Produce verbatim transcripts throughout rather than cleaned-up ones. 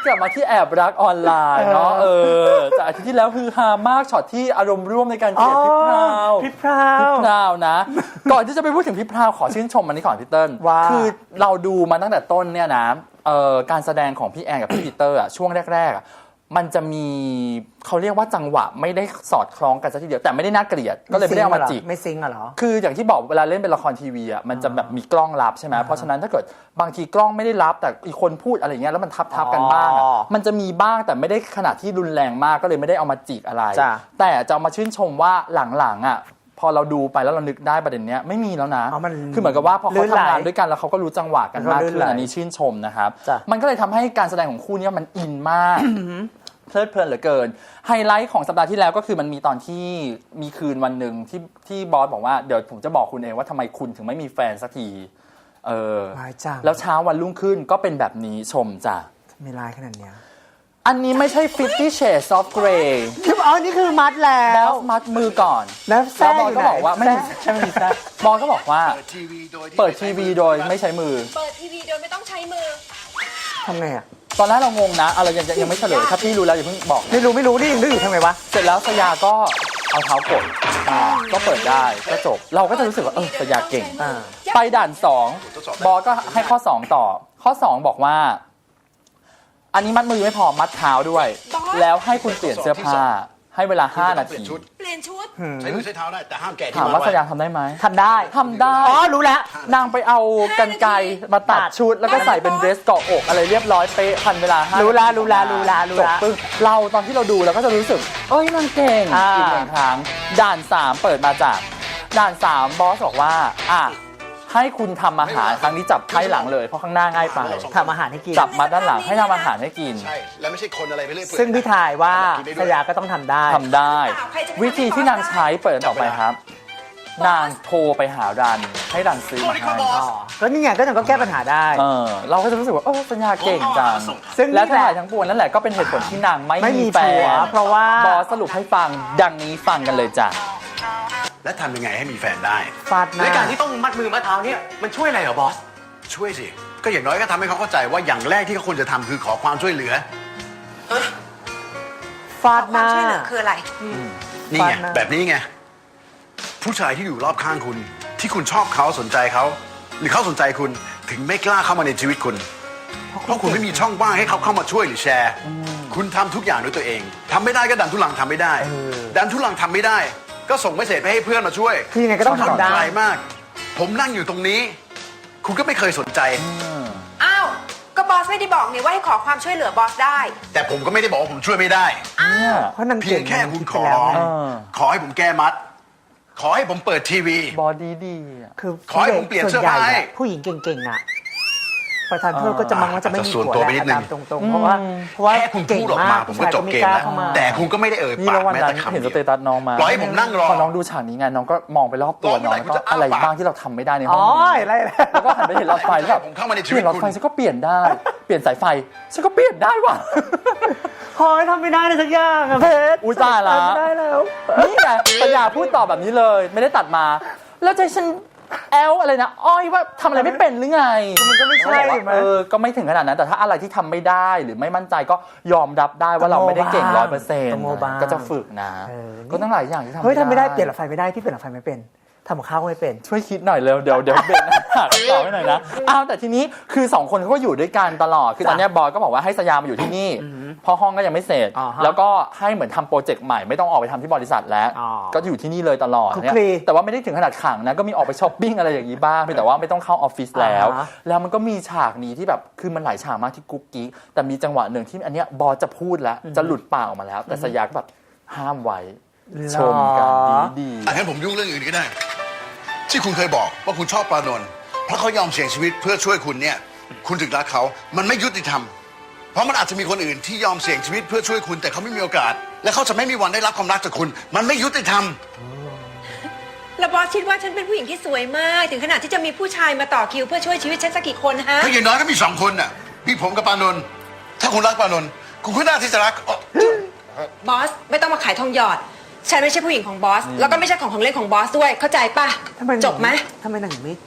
กลับมาที่แอบรักออนไลน์เนาะเออจากอาทิตย์ที่แล้วคือฮามากช็อตที่อารมณ์ร่วมในการเกลียดพี่พราวพี่พราวพี่พราวนะ ก่อนที่จะไปพูดถึงพี่พราวขอชื่นชมมันนี้ก่อนพี่เติ้ลคือเราดูมาตั้งแต่ต้นเนี่ยนะเอ่อการแสดงของพี่แอนกับพี่ปีเตอร์อะช่วงแรกๆอะมันจะมีเขาเรียกว่าจังหวะไม่ได้สอดคล้องกันสักทีเดียวแต่ไม่ได้น่าเกลียดก็เลยไม่ได้เอามาจิกไม่ซิงอะเหรอคืออย่างที่บอกเวลาเล่นเป็นละครทีวีอ่ะมันจะแบบมีกล้องรับใช่ไหมเพราะฉะนั้นถ้าเกิดบางทีกล้องไม่ได้รับแต่อีกคนพูดอะไรเงี้ยแล้วมันทับทับกันบ้างมันจะมีบ้างแต่ไม่ได้ขนาดที่รุนแรงมากก็เลยไม่ได้เอามาจิกอะไรแต่จะเอามาชื่นชมว่าหลังๆอ่ะพอเราดูไปแล้วเรานึกได้ประเด็นเนี้ยไม่มีแล้วนะคือเหมือนกับว่าพอเขาทำงานด้วยกันแล้วเขาก็รู้จังหวะกันมากขึ้นอันนี้ชื่นชมนะครับมันก็เลยทำให้การแสดงของคู่นี้มันอินมากเพลิดเพลินเหลือเกินไฮไลท์ของสัปดาห์ที่แล้วก็คือมันมีตอนที่มีคืนวันหนึ่งที่ที่บอสบอกว่าเดี๋ยวผมจะบอกคุณเองว่าทำไมคุณถึงไม่มีแฟนสักทีเออแล้วเช้าวันรุ่งขึ้นก็เป็นแบบนี้ชมจ้ะไม่ร้ายขนาดเนี้ยอันนี้ไม่ใช่ Fifty Shades of Grey คืออ๋อนี่คือมัดแล้วบอสมัดมือก่อนแล้วบอสก็บอกว่าไม่ใช่ไม่มีแซ่บอสก็บอกว่าเปิดทีวีโดยไม่ใช้มือเปิดทีวีโดยไม่ต้องใช้มือทำไงอ่ะตอนแรกเรางงนะอะไรยังยังไม่เฉลยถ้าพี่รู้แล้วอย่าเพิ่งบอกไม่รู้ไม่รู้นี่ยังนึกอยู่ทำไมวะเสร็จแล้วสยาก็เอาเท้ากดก็เปิดได้ก็จบเราก็จะรู้สึกว่าเออสยาเก่งไปด่านสองบอสก็ให้ข้อสองต่อข้อสองบอกว่าอันนี้มัดมือไม่พอมัดเท้าด้วยแล้วให้คุณเปลี่ยนเสื้อผ้าให้เวลาห้านาทีเปลี่ยนชุดใช้มือใช้เท้าได้แต่ห้ามแกะที่ถามว่าสยาทำได้ไหมทำได้ทำได้อ๋อรู้แล้วนางไปเอากรรไกรมาตัดชุดแล้วก็ใส่เป็นเดรสเกาะอกอะไรเรียบร้อยเป๊ะทันเวลาห้ารู้ละรู้ละรู้ละรู้ละจบเราตอนที่เราดูเราก็จะรู้สึกเอ้ยนางเก่งอีกหนึ่งครั้งด่านสามเปิดมาจากด่านสามบอสบอกว่าอ่ะให้คุณทำอาหารครั้งนี้จับไพ่หลังเลยเพราะข้างหน้าง่ายไปทำอาหารให้กินจับมาด้านหลังให้ทำอาหารให้กินใช่แล้วไม่ใช่คนอะไรไปเรื่อยซึ่งพี่ถ่ายว่าสยาก็ต้องทำได้ทำได้วิธีที่นางใช้เปิดต่อไปครับนางโทรไปหารันให้รันซื้อมาให้ก็นี่ไงก็นางก็แก้ปัญหาได้เออเราก็จะรู้สึกว่าเออสัญญาเก่งจังและทั้งหลายทั้งปวงนั่นแหละก็เป็นเหตุผลที่นางไม่มีแฟนเพราะว่าบอสสรุปให้ฟังดังนี้ฟังกันเลยจ้ะและทำยังไงให้มีแฟนได้ฟาดหน้าในการที่ต้องมัดมือมัดเท้าเนี่ยมันช่วยอะไรเหรอบอสช่วยสิก็อย่างน้อยก็ทำให้เขาเข้าใจว่าอย่างแรกที่เขาควรจะทำคือขอความช่วยเหลือฟาดหน้าช่วยเหลือคืออะไรนี่ไงแบบนี้ไงผู้ชายที่อยู่รอบข้างคุณที่คุณชอบเขาสนใจเขาหรือเขาสนใจคุณถึงไม่กล้าเข้ามาในชีวิตคุณเพราะคุณไม่มีช่องว่างให้เขาเข้ามาช่วยหรือแชร์คุณทำทุกอย่างด้วยตัวเองทำไม่ได้ก็ดันทุลังทำไม่ได้ดันทุลังทำไม่ได้ก็ส่งเมสเสจไปให้เพื่อนมาช่วยคือยังไงก็ต้องทำได้มากผมนั่งอยู่ตรงนี้คุณก็ไม่เคยสนใจอ้าวก็บอสไม่ได้บอกนี่ว่าให้ขอความช่วยเหลือบอสได้แต่ผมก็ไม่ได้บอกว่าผมช่วยไม่ได้เพราะนางเพียงแค่คุณขอขอให้ผมแก้มัดขอให้ผมเปิดทีวีบอดีดีคือขอให้ผมเปลี่ยนเสื้อผ้าผู้หญิงเก่งๆอ่ะประธานเพื่อนก็จะมังว่าจะไม่มีผัวแล้วตรงๆเพราะว่าเพราะว่าแค่คุณพูดออกมาผมก็จบเกมแล้วแต่คุณก็ไม่ได้เอ่ยปากแม้แต่คำเดียวเห็นสเตตัสน้องมาปล่อยให้ผมนั่งรอพอน้องดูฉากนี้ไงน้องก็มองไปรอบตัวน้องแล้วก็อะไรบ้างที่เราทำไม่ได้ในห้องนี้แล้วก็หันไปเห็นหลอดไฟแล้วแบบเปลี่ยนหลอดไฟฉันก็เปลี่ยนได้เปลี่ยนสายไฟฉันก็เปลี่ยนได้ว่ะพอทำไม่ได้เลยสักอย่างอะเพชรอุ้ยตายละไม่ได้แล้วนี่ไงปัญญาพูดต่อแบบนี้เลยไม่ได้ตัดมาแล้วใจฉันแอลอะไรนะอ้อยว่าทำอะไรไม่เป็นหรือไงมันก็ไม่ใช่เออก็ไม่ถึงขนาดนั้นแต่ถ้าอะไรที่ทำไม่ได้หรือไม่มั่นใจก็ยอมรับได้ว่าเราไม่ได้เก่งร้อยเปอร์เซ็นต์ก็จะฝึกนะก็ตั้งหลายอย่างที่ทำเฮ้ยทำไม่ได้เปลี่ยนหลอดไฟไม่ได้พี่เปลี่ยนหลอดไฟไม่เป็นทำกับข้าวไม่เป็นช่วยคิดหน่อยเร็วเดี๋ยวเดี๋ยวเบรกนะต่อให้หน่อยนะอ้าวแต่ทีนี้คือสองคนเขาก็อยู่ด้วยกันตลอดคือตอนนี้บอยก็บอกว่าให้สยามมาอยู่ที่นี่เพราะห้องก็ยังไม่เสร็จแล้วก็ให้เหมือนทำโปรเจกต์ใหม่ไม่ต้องออกไปทำที่บริษัทแล้วก็อยู่ที่นี่เลยตลอดเนี่ยแต่ว่าไม่ได้ถึงขนาดขังนะก็มีออกไปช้อปปิ้งอะไรอย่างนี้บ้างแต่ว่าไม่ต้องเข้าออฟฟิศแล้วแล้วมันก็มีฉากนี้ที่แบบคือมันหลายฉากมากที่กุ๊กกิ๊กแต่มีจังหวะหนึ่งที่อันเนี้ยบอยจะพูดแล้วจะหลุดปากออกมาแล้วแต่สยามก็แบบห้ามไว้ชมกันดีๆงั้นผมยุ่งเรื่องอื่นก็ได้ที่คุณเคยบอกว่าคุณชอบปรานนท์เพราะเขายอมเสี่ยงชีวิตเพื่อช่วยคุณเนี่ยคุณถึงรักเขามันไม่ยุติธรรมเพราะมันอาจจะมีคนอื่นที่ยอมเสี่ยงชีวิตเพื่อช่วยคุณแต่เขาไม่มีโอกาสและเขาจะไม่มีวันได้รับความรักจากคุณมันไม่ยุติธรรมแล้วบอสคิดว่าฉันเป็นผู้หญิงที่สวยมากถึงขนาดที่จะมีผู้ชายมาต่อคิวเพื่อช่วยชีวิตฉันสักกี่คนฮะก็อย่างน้อยก็มีสองคนน่ะมีผมกับปรานนท์ถ้าคุณรักปรานนท์คุณก็น่าที่จะรักบอสไม่ต้องมาขายทองหยอดฉันไม่ใช่ผู้หญิงของบอสแล้วก็ไม่ใช่ของของเล่นของบอสด้วยเข้าใจป่ะจบไหมทำไมนางไม่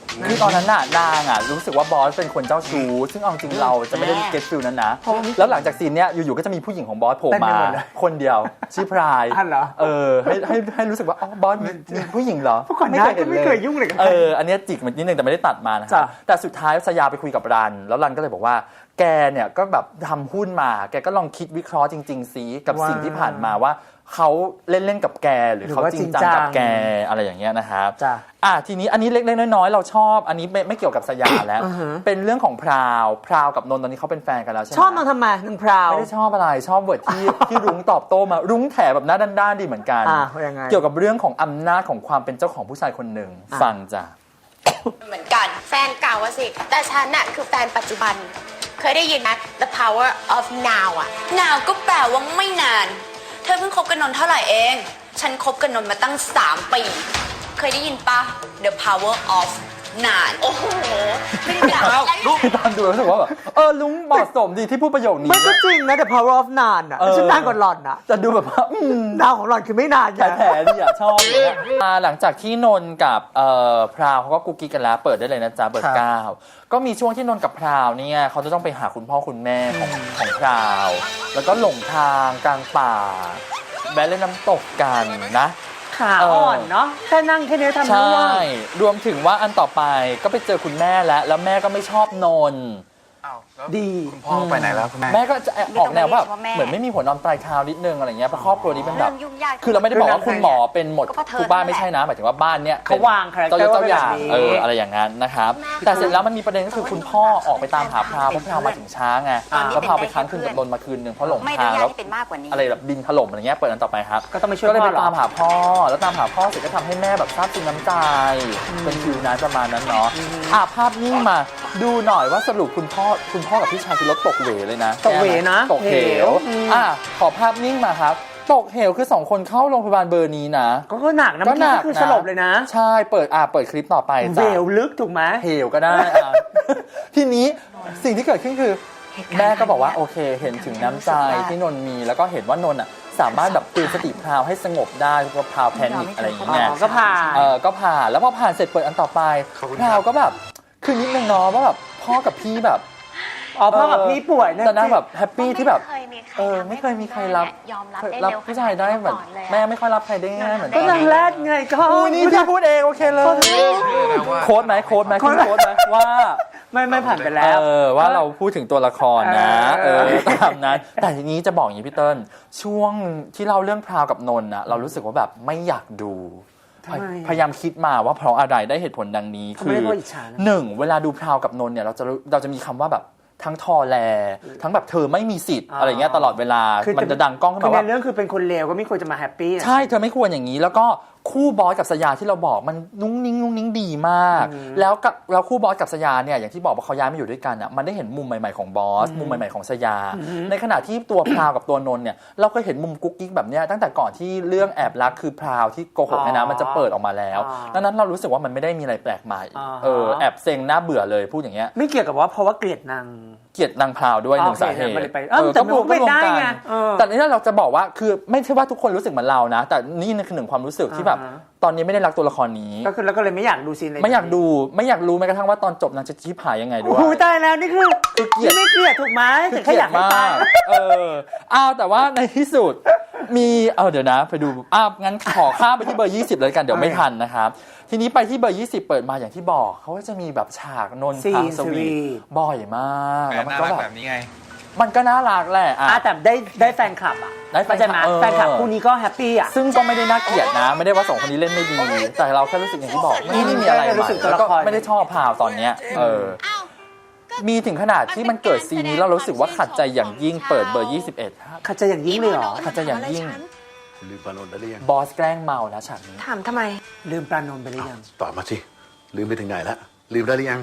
คือตอนนั้นน่ะนางอ่ะรู้สึกว่าบอสเป็นคนเจ้าชู้ซึ่งเอาจริงเราจะไม่ได้เก็ตฟิลนั้นนะแล้วหลังจากซีนเนี้ยอยู่ๆก็จะมีผู้หญิงของบอสโผล่มาคนเดียวชื่อพรายอันเหรอเออให้ให้ให้รู้สึกว่าอ๋อบอสมีมีผู้หญิงเหรอเพราะก่อนหน้าก็ไม่เคยยุ่งเลยกับใครเอออันเนี้ยจิกมันนิดนึงแต่ไม่ได้ตัดมานะครัจ้ะบแต่สุดท้ายสยาไปคุยกับรัน แล้วรันก็เลยบอกว่าแกเนี่ยก็แบบทำหุ้นมาแกก็ลองคิดวิเคราะห์จริงๆซิกับสิ่งที่ผ่านมาว่าเขาเล่นๆกับแกหรือเขาจริงจังกับแกอะไรอย่างเงี้ยนะครับจ้ะอ่ะทีนี้อันนี้เล็กๆน้อยๆเราชอบอันนี้ไม่ไม่เกี่ยวกับสยามแล้ว เป็นเรื่องของพราวพราวกับนนท์ตอนนี้เขาเป็นแฟนกันแล้วใช่ไหมชอบนางทำไมนางพราวไม่ได้ชอบอะไรชอบเวิร์ดที่ที่รุ้งตอบโต้มารุ้งแถแบบหน้าด้านๆดีเหมือนกันอ่ะยังไงเกี่ยวกับเรื่องของอำนาจของความเป็นเจ้าของผู้ชายคนหนึ่งฟังจ้ะเหมือนกันแฟนเก่าอะสิ แต่ฉันน่ะคือแฟนปัจจุบัน เคยได้ยินไหม The power of now อะ now ก็แปลว่าไม่นาน เธอเพิ่งคบกันนนท์เท่าไหร่เอง ฉันคบกันนนท์มาตั้งสามปี เคยได้ยินปะ The power of นาน โอ้โห ไม่ได้ด่าอะไรตอนดูรู้สึกว่าแบบเออลุงเหมาะสมดีที่พูดประโยคนี้มันก็จริงนะ The power of นานอ่ะเออฉันนานกว่าหล่อนอ่ะจะดูแบบว่าอืมดาวของหล่อนคือไม่นานไงแผลๆดีอ่ะชอบเลยอะอ่าหลังจากที่นนท์กับเอ่อพราวเขาก็กุ๊กกิ๊กกันแล้วเปิดได้เลยนะจ๊ะเปิดเก้าก็มีช่วงที่นนท์กับพราวเนี่ยเขาจะต้องไปหาคุณพ่อคุณแม่ของของพราว แล้วก็หลงทางกลางป่าแวะเล่นน้ำตกกันนะขาอ่อนเนาะแค่นั่งแค่นี้ทำใช่ร่วงรวมถึงว่าอันต่อไปก็ไปเจอคุณแม่แล้วแล้วแม่ก็ไม่ชอบนนท์ดีคุณพ่อไปไหนแล้วคุณแม่แม่ก็จะออกแนวว่าเหมือนไม่มีหัวนอนปลายเท้านิดนึงอะไรเงี้ยเพราะครอบครัวนี้เป็นแบบเรื่องยุ่งยากคือเราไม่ได้บอกว่าคุณหมอเป็นหมดก็เพราะเธอทุกบ้านนั่นแหละไม่ใช่นะหมายถึงว่าบ้านเนี้ยเขาวางคาแรคเตอร์เจ้าเจ้าอย่างไว้แบบนี้เอออะไรอย่างนั้นนะครับแต่เสร็จแล้วมันมีประเด็นก็คือคุณพ่อออกไปตามหาพราวเพราะพราวมาถึงช้าไงแล้วพราวไปค้างคืนกับนนท์มาคืนหนึ่งเพราะหลงไม่อทานุงญาตแล้วให้เป็นมากกว่านี้อะไรแบบดินถล่มอะไรเงี้ยเปิดอันต่อไปครับก็ต้องไปช่วยก็เลยพ่ไปอเหรอตามหาพ่อแล้วตามหาพ่อเสร็จก็ทำให้แม่แบบซาบซึ้งน้ำใจเป็นฟิวนั้นประมาณนั้นเนาะอ่ะภาพนิ่งมาดูหน่อยว่าสรุปคุณพ่อคุณพ่อกับพี่ชายคือรถตกเหวเลยนะตกเหวนะตกเหวอืมอ่ะขอภาพนิ่งมาครับ ตกเหวคือสองคนเข้าโรงพยาบาลเบอร์นี้นะก็ก็หนักนะก็เมื่อหกี้นักก็คือสลบเลยนะใช่เปิดอ่ะเปิดคลิปต่อไปเวจ้ะลลึกถูกไหมเหวก็ได้อ่ะ ทีนี้สิ่งที่เกิดขึ้นคือ แม่ก็บอกว่าโอเค เห็นถึงน้ำใจที่นนท์มีแล้วก็เห็นว่านนท์อ่ะสามารถแบบตื่นสติพราวให้สงบได้เพราะพราวแพนิคอะไรอย่างอ๋เงี้ยอก็ผ่านเออก็ผ่านแล้วพอผ่านเสร็จเปิดอันต่อไปขอบคุณพราวก็แบบคือนิดนึงเนาะว่าแบบพ่อกับพี่แบบอ๋อพ่อกับพี่ป่วยนะแต่นางแบบแฮปปี้ที่แบบไม่เคยมีใครเออทำให้ไม่เคยมีใครรับยอมรับได้รับเร็วผู้ชายได้แบบขนาดนี้มาก่อนเลยอะแม่ไม่ค่อยรับใครได้ง่ายเหมือนก็ตอนนางนี้แรดไงก็อุ้ยนี่พี่พูดเองโอเคเลยโค้ดไหมโค้ดไหมคุณโค้ดไหมว่าไม่ไม่ผ่านไปแล้วเออว่าเราพูดถึงตัวละครนะเอเอออตามนั้นแต่ทีนี้จะบอกอย่างนี้พี่เติ้ลช่วงที่เล่าเรื่องพราวกับนนท์นะเรารู้สึกว่าแบบไม่อยากดูทำไมพยายามคิดมาว่าเพราะอะไรได้เหตุผลดังนี้ทำไมคือเพราะอิจฉานะหนึ่งเวลาดูพราวกับนนท์เนี่ยเราจะรู้เราจะมีคำว่าแบบทั้งทอแล ทั้งแบบเธอไม่มีสิทธิ์อ่าอะไรเงี้ยตลอดเวลาคือมันจะดังก้องขึ้นคือมาในว่าเรื่องคือเป็นคนเลวก็ไม่ควรจะมาแฮปปี้อะใช่เธอไม่ควรอย่างนี้ แล้วก็คู่บอสกับสยาที่เราบอกมันนุ่งนิ่งนุ่งนิ่งดีมาก แล้วกับแล้วคู่บอสกับสยาเนี่ยอย่างที่บอกว่าเขาย้ายมาอยู่ด้วยกันอ่ะมันได้เห็นมุมใหม่ๆของบอสมุมใหม่ๆของสยา ในขณะที่ตัวพราวกับตัวนนท์เนี่ยเราเคยเห็นมุมกุ๊กกิ๊กแบบเนี้ยตั้งแต่ก่อนที่เรื่องแอบรักคือพราวที่โกหกเนี่ยนะมันจะเปิดออกมาแล้วดังนั้นเรารู้สึกว่ามันไม่ได้มีอะไรแปลกใหม่เออแอบเซ็งน่าเบื่อเลยพูดอย่างเงี้ยไม่เกี่ยวกับว่าเพราะว่าเกลียดนางเกลียดนางพราวด้วยหนึ่งโอเคสาเหตุมันเลยไปเอ้าแต่มันก็เป็นได้ไงเออแต่นี่เราจะบอกว่าคือไม่ใช่ว่าทุกคนรู้สึกเหมือนเรานะ แต่นี่คือหนึ่งความรู้สึกที่แบบอ่าฮะตอนนี้ไม่ได้รักตัวละครนี้ก็คือแล้วก็เลยไม่อยากดูซีนเลยไม่อยากดูไม่อยากรู้แม้กระทั่งว่าตอนจบนางจะชี้ผายยังไงด้วโอ้ยโหตายแล้วนี่คือคือเกลียดนี่ไม่เกลียดถูกไหมแต่แค่อยากให้ตายเอออ้าวแต่ว่าในที่สุดมีเออเดี๋ยวนะไปดูอ้าวงั้นขอข้ามไปที่เบอร์ยี่สิบเลยกันเดี๋ยวไม่ทันนะครับทีนี้ไปที่เบอร์ยี่สิบเปิดมาอย่างที่บอกเขาก็จะมีแบบฉากนนท์ซีนทางสวีสวีททบ่อยมากแล้วมันก็แบบแบบนี้ไงมันก็น่ารักแหละอ่ะอ่ะแต่ได้ได้แฟนคลับอ่ะได้แฟนคลับเข้าใจไหมเออแฟนคลับคู่นี้ก็แฮปปี้อ่ะซึ่งก็ไม่ได้น่าเกลียดนะ ไม่ได้ว่าสองคนนี้เล่นไม่ดี แต่เราแค่รู้สึกอย่างที่บอกไม่ได้มีอะไรแค่รู้ใหม่สึกตัวแล้วละก็ครไม่ได้ชอบพาวตอนเนี้ยเออมีถึงขนาดที่มันเกิดซีนนี้แล้วรู้สึกว่าขัดใจอย่างยิ่งเปิดเบอร์ยี่สิบเอ็ดขัดใจอย่างยิ่งเลยเหรอขัดใจอย่างยิ่งคุณลืมปานนท์ไปหรือยังบอสแกล้งเมานะฉากนี้ถามทำไมลืมปลานนท์ไปหรือยังตอบมาสิลืมไปถึงไหนแล้วลืมได้หรือยัง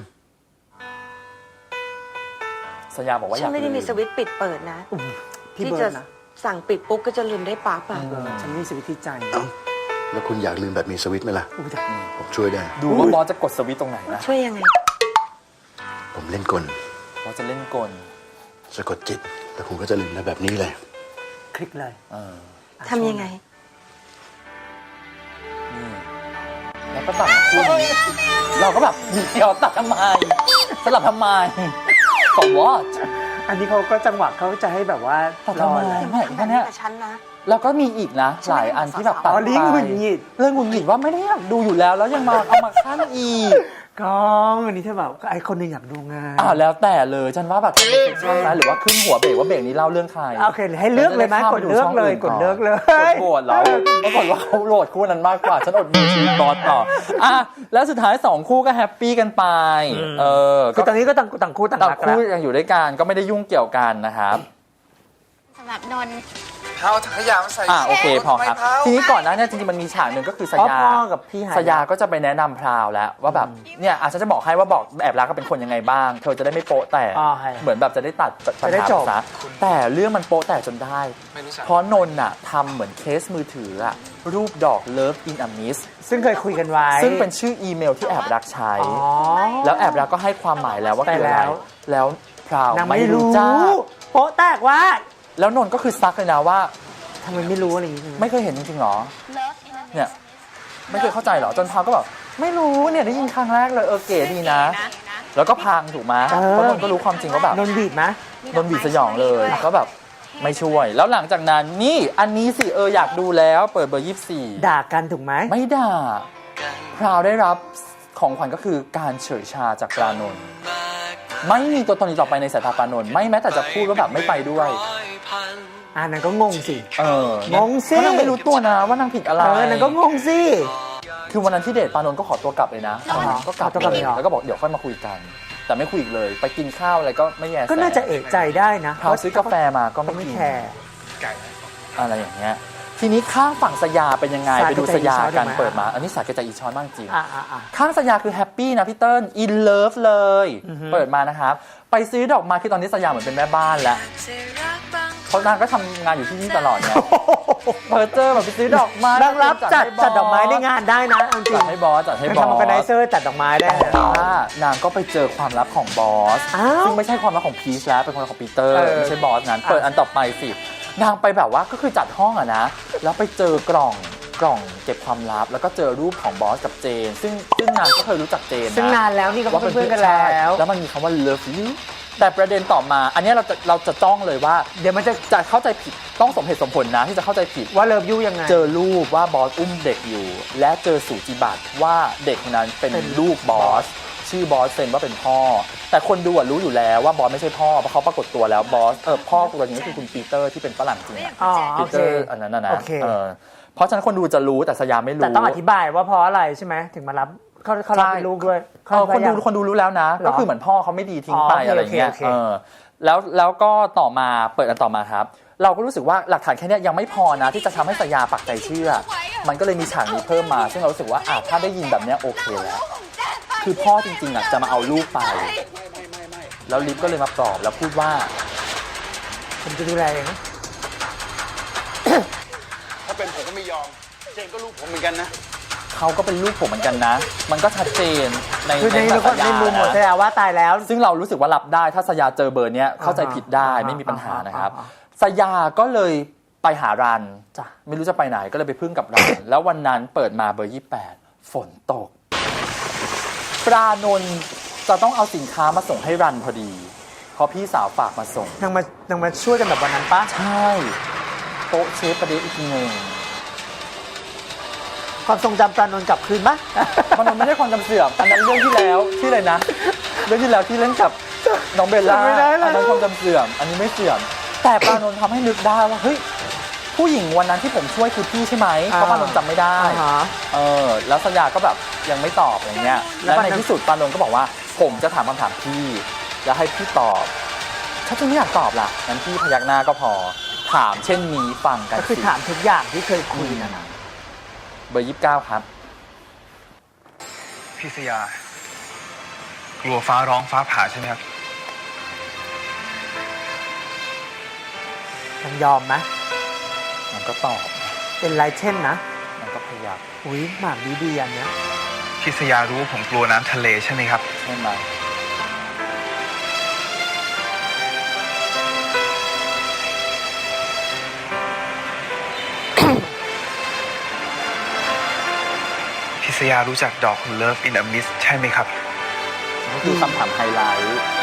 สยามบอกว่าอฉัยาน กไม่ได้มีสวิตช์ปิดเปิดนะพี่ที่เบิจะร์ดนะสั่งปิดปุ๊บก็จะลืมได้ปั๊บอ่ะเออฉันมีสวิตช์ที่ใจเอ้าแล้วคุณอยากลืมแบบมีสวิตช์ไหมล่ะอุ้ยแต่ผมช่วยได้ดูว่าบอสจะกดสวิตช์ตรงไหนนะช่วยยังไงผมเล่นกลบอสจะเล่นกลสะกดจิตแล้วคุณก็จะลืมได้แบบนี้เลยคลิกเลยเออทำยังไงนี่เห็แล้วก็ตัดคู่นี้เราก็แบบเดี๋ยวตัดทำไมสลับทำไม for what อันนี้เขาก็จังหวะเขาจะให้แบบว่าตัดทำไมรอไม่แค่เนี้ยแต่ฉันนะแล้วก็มีอีกนะหลายอันที่แบบตัดอ๋อไปลิงก์หงุดหงิดเรื่องหงุดหงิดว่าไม่ได้อยากดูอยู่แล้ว แล้วยังมาเอามาขั้นอีกกองอันนี้เธอแบบไอ้คนหนึงอยากดูงานอ่าแล้วแต่เลยฉันว่าแบบทำเป็นเซ็กชันนะหรือว่าขึ้นหัวเบรกว่าเบรกนี้เล่าเรื่องใครโอเคให้เลือกเลยไหมกดเลือกเลยกดเลือกเลยกดโหวตแล้วปรากฏว่าเขาโหลดคู่นั้นมากกว่า ฉันอดดูชีวิตบอสต่ออ่ะแล้วสุดท้ายสองคู่ก็แฮปปี้กันไปเออคือตอนนี้ก็ต่างต่างคู่ต่างต่างรักคู่แล้วยังอยู่ด้วยกันก็ไม่ได้ยุ่งเกี่ยวกันนะครับสำหรับนนท์เท้าถังขยะมาใส่อ่าโอเคพอครับทำไมเท้าทีนี้ก่อนหน้าเนี้จริงๆมันมีฉากหนึ่งก็คือสอ๋อยาพ่อกับพี่หายสยาก็จะไปแนะนำพราวแล้วว่าแบบเนี่ยอาจจะจะบอกให้ว่าบอกแอบรักก็เป็นคนยังไงบ้าง เธอจะได้ไม่โป๊ะแต่อ๋อใช่เหมือนแบบจะได้ตัดปัญจะได้หาจบซะแต่เรื่องมันโป๊ะแต่จนได้ไม่รู้จักเพราะนนท์น่ะทำเหมือนเคสมือถืออะรูปดอก Love in a Mist ซึ่งเคยคุยกันไว้ซึ่งเป็นชื่ออีเมลที่แอบรักใช้อ๋อแล้วแอบรักก็ให้ความหมายแล้วว่าคืออะไรแต่แล้วแล้วพราวนางไม่ไม่รู้รู้จ้าโป๊ะแตกว่าแล้วนนท์ก็คือซักเลยนะว่าทำไมไม่รู้อะไรอย่างงี้ไม่เคยเห็นจริงๆหรอเนี่ยไม่เคยเข้าใจหรอจนพราวก็แบบไม่รู้เนี่ยได้ยินครั้งแรกเลยเออเก๋ดีนะ แล้วก็พังถูกไหมเพราะนนท์ก็รู้ความจริงว่าแบบนนท์บีบไหมนนท์บีบสยองเลยก็แบบไม่ช่วย แล้วหลังจากนั้นนี่อันนี้สิเอออยากดูแล้วเปิดเบอร์ยี่สิบสี่ด่ากันถูกไหมไม่ด่าพราวได้รับของขวัญก็คือการเฉยชาจากปรานนท์ไม่มีตัวตนอีกต่อไปในสายตาปรานนท์ไม่แม้แต่จะพูดว่าแบบไม่ไปด้วยอ่านั้นก็งงสิเอองงสิเพราะนางไม่รู้ตัวนะว่านางผิดอะไรเออนั้นก็งงสิคือวันนั้นที่เดทปรานนท์ก็ขอตัวกลับเลยนะอ๋อก็กลับขอตัวกลับเลเลย ยเหรอแล้วก็บอกเดี๋ยวค่อยมาคุยกัน แต่ไม่คุยอีกเลย ไปกินข้าวอะไรก็ไม่แย่แสก็น่าจะเอกใจได้นะพราวซื้อกาแฟมาก็ก็ไม่ไม่กินแคร์อะไรอย่างเงี้ยทีนี้ข้างฝั่งสยาเป็นยังไงสาไปดูสยากันแกใจอีช้อนถูกไหมเปิดมา อันนี้สาแกใจอีช้อนมากจริงอ่าอ่าอ่าข้างสยาคือแฮปปี้นะพี่เติ้ลอินเลิฟเลยอือฮึเปิดมานะครับ ไปซื้อดอกไม้คือตอนนี้สยาเหมือนเป็นแม่บ้านแล้วเพราะนางก็ทำงานอยู่ที่นี่ตลอดไงเพิร์เจอร์แบบไปซื้อดอกไม้นางรับจัดให้บสจัดดอกไม้ในงานได้นะเอาจริจังดให้บอสจัดให้เป็นบอสทำออร์แกไนเซอร์จัดดอกไม้ได้แต่ว่านางก็ไปเจอความลับของบอสอ้าวซึ่งไม่ใช่ความลับของพีชแล้วเป็นความลับของปีเตอร์เออไม่ใช่บอสนั้นเปิดอันต่อไปสินางไปแบบว่าก็คือจัดห้องอะนะแล้วไปเจอกล่องกล่องเก็บความลับ แล้วก็เจอรูปของบอสกับเจน ซึ่งซึ่งนางก็เคยรู้จักเจนนะซึ่งนานแล้วนี่ก็ว่าเป็นเพื่อนกันแล้วแล้วมันมีคำว่า love you แต่ประเด็นต่อมา อันเนี้ยเราจะเราจะจ้องเลยว่าเดี๋ยวมันจะจะเข้าใจผิดต้องสมเหตุสมผลนะที่จะเข้าใจผิดว่าเลิฟยูยังไงเจอรูปว่าบอสอุ้มเด็กอยู่ และเจอสูจิบัตรว่าเด็กคนนั้นเป็นเป็นลูกบอสชื่อบอสเซนว่าเป็นพ่อ แต่คนดูอะรู้อยู่แล้วว่าบอสไม่ใช่พ่อเพราะเขาปรากฏตัวแล้วบอสเออพ่อตัวจริงก็คือคุณปีเตอร์ที่เป็นฝรั่งจริงอะอ๋อปีโอเตเคอร์อันนั้นนะนะโอเคเออเพราะฉะนั้นคนดูจะรู้แต่สยามไม่รู้แต่ต้องอธิบายว่าเพราะอะไรใช่ไหมถึงมารับเขาเขารับเป็นลูกด้วยเออคนดูคนดูรู้แล้วนะเหรอก็คือเหมือนพ่อเขาไม่ดีทิ้งไปอ๋อโอเคอะไรเงี้ยโอเคเออแล้วแล้วก็ต่อมาเปิดอันต่อมาครับ เราก็รู้สึกว่าหลักฐานแค่เนี้ยยังไม่พอนะที่จะทำให้สยาปักใจเชื่อ มันก็เลยมีฉากนี้เพิ่มมา ซึ่งเรารู้สึกว่าอ่ะถ้าได้ยินแบบเนี้ยโอเคแล้วคือพ่อจริงๆอ่ะจะมาเอาลูกไปแล้วลิฟก็เลยมาปลอบแล้วพูดว่าผมจะดูแลเองนะถ้าเป็นผมก็ไม่ยอม เจนก็ลูกผมเหมือนกันนะเขาก็เป็นลูกผมเหมือนกันนะ มันก็ชัดเจนในคือในในในสยาในมุมของนะสยาว่าตายแล้วซึ่งเรารู้สึกว่ารับได้ถ้าสยาเจอเบอร์เนี้ยเข้าใจผิดได้อ่าไม่มีปัญหานะครับอ่าสยาก็เลยไปหารันจ้ะไม่รู้จะไปไหนก็เลยไปพึ่งกับรัน แล้ววันนั้นเปิดมาเบอร์ยี่สิบแปดฝนตก ปรานนท์จะต้องเอาสินค้ามาส่งให้รันพอดี เพราะพี่สาวฝากมาส่งนางมานางมาช่วยกันแบบวันนั้นปะใช่โป๊ะเชฟประเดี๋ยวอีกทีหนึ่งความทรงจำปรานนท์กลับคืนปะปรานนท์ไม่ได้ความจำเสื่อมอันนั้นเรื่องที่แล้วที่เลยนะ เรื่องที่แล้วที่เล่นกับน้องเบลล่าจำไม่ได้แล้วอันนั้นความจำเสื่อม อันนี้ไม่เสื่อม แต่ปรานนท์ทำให้นึกได้ว่าเฮ้ยผู้หญิงวันนั้นที่ผมช่วยคือพี่ใช่ไหมเพราะปรานนท์จำไม่ได้อ่าฮะเออแล้วสัญญาก็แบบยังไม่ตอบอย่างเงี้ยแล้แล้ว วปรานในนท์ที่สุดปรานนท์ก็บอกว่า ผมจะถามคำถามพี่แล้วให้พี่ตอบถ้าพี่ไม่อยากตอบล่ะงั้นพี่พยักหน้าก็พอถามเช่นนี้ฟังกันก็คือสิถามทุกอย่างที่เคยคุยนะนะเบอร์ยี่สิบเก้าครับพี่สยากลัวฟ้าร้องฟ้าผ่าใช่ไหมครับยังยอมไหมมันก็ตอบเป็นไรเช่นนะมันก็พยักอุ้ยหมากดีดีอันเนี้ยพี่สยารู้ว่าผมกลัวน้ำทะเลใช่ไหมครับใช่ไหมพี่สสยารู้จักดอก Love in a Mist ใช่ไหมครับนี่คือคำถามไฮไลท์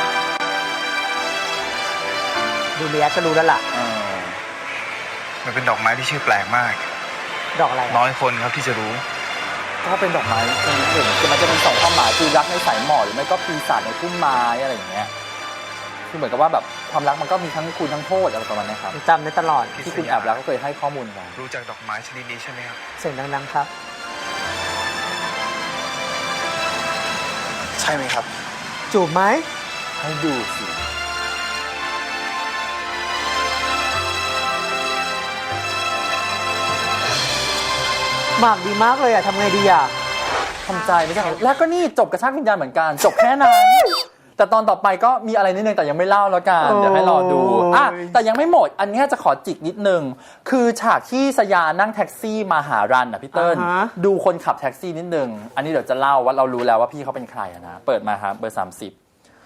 ดูเรียกก็รู้แล้วล่ะเออมันเป็นดอกไม้ที่ชื่อแปลกมากดอกอะไรน้อยคนครับที่จะรู้ก็เป็นดอกไม้ชนิดหนึ่งคือมันจะเป็นสองความหมายคือรักในสายหมอกหรือไม่ก็ปีศาจในพุ่มไม้อะไรอย่างเงี้ยคือเหมือนกับว่าแบบความรักมันก็มีทั้งคุณทั้งโทษอะไรประมาณนี้ครับจำได้ตลอดที่คุณแอบรักก็เคยให้ข้อมูลไว้รู้จักดอกไม้ชนิดนี้ใช่ไหมครับเสียงดังๆครับใช่ไหมครับจูบไหมให้ดูสิหมากดีมากเลยอ่ะทำไงดีอ่ะทำใจไม่ใช่เหรอแล้วก็นี่จบกระชากวิญญาณเหมือนกัน จบแค่นั้น แต่ตอนต่อไปก็มีอะไรนิดนึงแต่ยังไม่เล่าแล้วกันโอ้ยเดี๋ยวให้รอดูอ่ะแต่ยังไม่หมด อันนี้จะขอจิกนิดนึง คือฉากที่สยานั่งแท็กซี่มาหารันอ่ะพี่เติ้ลอ่าฮะดูคนขับแท็กซี่นิดนึง อันนี้เดี๋ยวจะเล่าว่าเรารู้แล้วว่าพี่เขาเป็นใครอะนะ เปิดมาครับเบอร์สามสิบ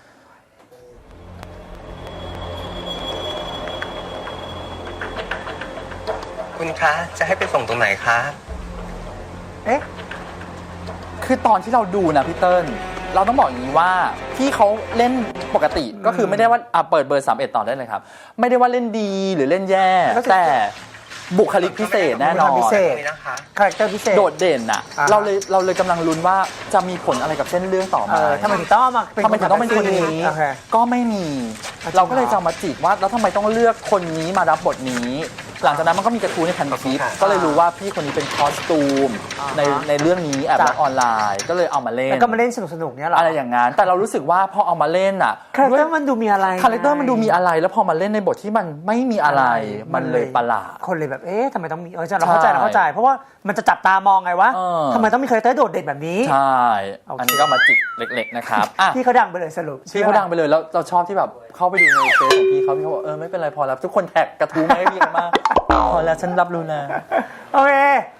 คุณคะ จะให้ไปส่งตรงไหนคะเอ๊ะคือตอนที่เราดูนะพี่เติ้ลเราต้องบอกอย่างนี้ว่าพี่เขาเล่นปกติก็คือไม่ได้ว่าอ่ะเปิดเบอร์สามสิบเอ็ดต่อได้เลยครับ ไม่ได้ว่าเล่นดีหรือเล่นแย่ก็คือแต่บุคลิกพิเศษแน่นอนพิเศษนี่นะคะคาแรคเตอร์พิเศษโดดเด่นอ่ะอ่าเราเลยเราเลยกำลังลุ้นว่าจะมีผลอะไรกับเส้นเรื่องต่อเอมาอทำไมถึงต้องเอามาเป็นทำไมถึงต้องเป็นคนนี้โอเคก็ไม่มีอ่ะจริงเหรอเราก็เลยจะเอามาจีบว่าแล้วทำไมต้องเลือกคนนี้มารับบทนี้ หลังจากนั้นมันก็มีกระทู้ในพันทิปก็เลยรู้ว่าพี่คนนี้เป็นคอสตูมในในเรื่องนี้แอบรักออนไลน์ ก็เลยเอามาเล่นแล้วก็มาเล่นสนุกๆเนี่ยเหรออะไรอย่างนั้นแต่เรารู้สึกว่าพอเอามาเล่นอ่ะคาแรคเตอร์มันดูมีอะไรคาแรคเตอร์มันดูมีอะไรแล้วพอมาเล่นในบทที่มันไม่มีอะไรมันเลยประหลาดคนเลยแบบเอ๊ะทำไมต้องมีเออเราเข้าใจเราเข้าใจ เพราะว่ามันจะจับตามองไงวะเออทำไมต้องมีคาแรคเตอร์โดดเด่นแบบนี้ใช่โอเคอันนี้ก็มาจิกเล็กๆนะครับอ่ะพี่เขาดังไปเลยสรุปพี่เขาดังไปเลยแล้วเราชอบที่แบบเข้าไปดูในเฟซของพี่เขาพี่เขาบอกเออไม่เป็นไรพอแล้วทุกคนแท็กกระทู้มาให้พี่กันมากพอแล้วฉันรับรู้แล้วโอเค